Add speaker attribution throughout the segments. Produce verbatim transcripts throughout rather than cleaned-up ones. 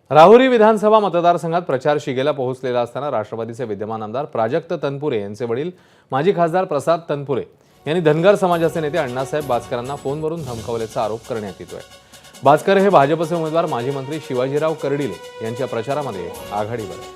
Speaker 1: राहुरी विधानसभा मतदारसंघात प्रचार शिगेला पोहोचलेला असताना राष्ट्रवादीचे विद्यमान आमदार प्राजक्त तनपुरे यांचे वडील माजी खासदार प्रसाद तनपुरे यांनी धनगर समाजाचे नेते अण्णासाहेब बाचकरांना फोनवरून धमकावल्याचा आरोप करण्यात येतोय। बाचकर हे भाजपचे उमेदवार माजी मंत्री शिवाजीराव कर्डिले यांच्या प्रचारामध्ये आघाडीवर आहेत।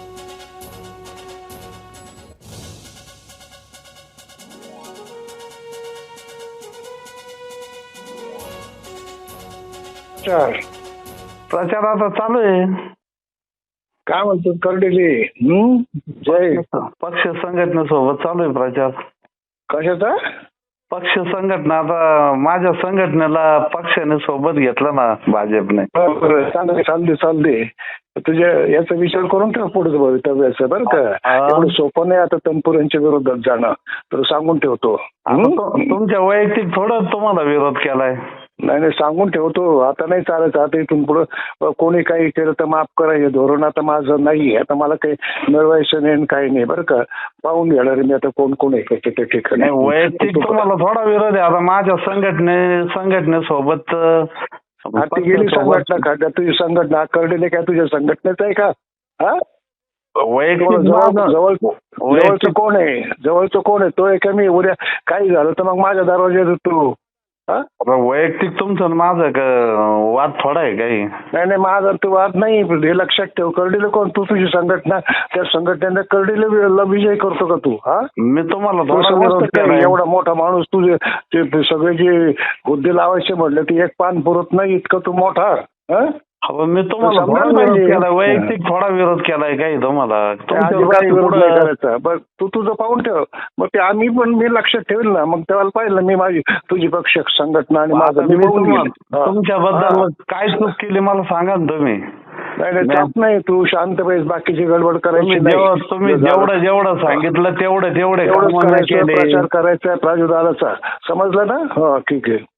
Speaker 2: प्रचार आता चालू आहे।
Speaker 3: काय म्हणतो कर्डिले? हम्म जय
Speaker 2: पक्ष संघटनेसोबत चालू आहे प्रचार।
Speaker 3: कशाचा
Speaker 2: पक्ष संघटना? आता माझ्या संघटनेला पक्षाने सोबत घेतलं ना भाजपने।
Speaker 3: बरं चालते चालते चालते तुझ्या याचा विचार करून ठेव पुढे भवितव्याचं बरं का। एवढं सोपं नाही आता तनपुरेंच्या विरोधात जाणं, तर सांगून ठेवतो।
Speaker 2: तुमच्या वैयक्तिक थोडं तुम्हाला विरोध केलाय?
Speaker 3: नाही नाही सांगून ठेवतो, आता नाही चालायचं। आता इथून पुढं कोणी काही केलं तर माफ करा, हे धोरण आता माझं नाही। आता मला काही मिळवायचं नाही काही नाही बरं का। पाहून घेणार मी आता कोण कोण आहे त्या ठिकाणी।
Speaker 2: वैयक्तिक तुम्हाला थोडा विरोध आहे। आता माझ्या संघटने संघटनेसोबत
Speaker 3: ती गेली संघटना का? तुझी संघटना कर्डिले काय तुझ्या संघटनेच आहे का? हा
Speaker 2: वैयक्तिक
Speaker 3: जवळ जवळचं कोण आहे? जवळचं कोण आहे? तो आहे का मी? उद्या काही झालं तर मग माझ्या दरवाज्यात तू
Speaker 2: वैयक्तिक तुमचं माझं वाद थोडा आहे काही? नाही
Speaker 3: नाही माझा तू वाद नाही, हे लक्षात ठेव। कर्डिले कोण? तू तुझी संघटना, त्या संघटनेने कर्डिले विजय करतो का तू? हा
Speaker 2: मी तुम्हाला
Speaker 3: एवढा मोठा माणूस तुझे ते सगळे जे हुद्दे लावायचे म्हटले ते एक पान पुरत नाही इतकं तू मोठा।
Speaker 2: मी तुम्हाला केला वैयक्तिक थोडा विरोध केलाय काही तुम्हाला?
Speaker 3: करायचा बरं तू तुझं पाहून ठेव। मग ते आम्ही पण मी लक्षात ठेवेल ना, मग तेव्हा पाहिलं मी माझी तुझी पक्ष संघटना आणि माझं
Speaker 2: तुमच्याबद्दल काय चूक केली मला सांगा ना तुम्ही।
Speaker 3: नाही नाही त्यात नाही, तू शांत पाहिजे, बाकीची गडबड करायची
Speaker 2: नाही। तुम्ही जेवढं जेवढं सांगितलं तेवढं तेवढे
Speaker 3: प्रचार करायचा आहे प्राजुर्भावाचा, समजलं ना? हो ठीक आहे।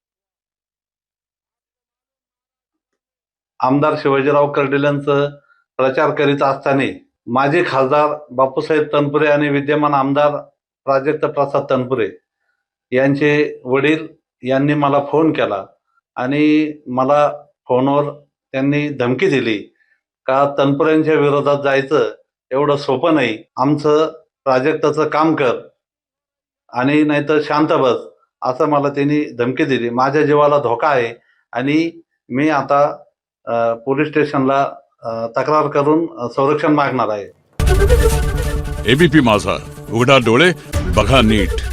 Speaker 4: आमदार शिवाजीराव कर्डिलेंचं प्रचार करीत असताना माजी खासदार बापूसाहेब तनपुरे आणि विद्यमान आमदार प्राजक्त प्रसाद तनपुरे यांचे वडील यांनी मला फोन केला आणि मला फोनवर त्यांनी धमकी दिली का तनपुरेंच्या विरोधात जायचं एवढं सोपं नाही, आमचं प्राजक्ताचं काम कर आणि नाहीतर शांत बस, असं मला त्यांनी धमकी दिली। माझ्या जीवाला धोका आहे आणि मी आता पोलीस स्टेशनला तक्रार करून संरक्षण मागणार आहे।
Speaker 5: एबीपी माझा, उघडा डोळे बघा नीट।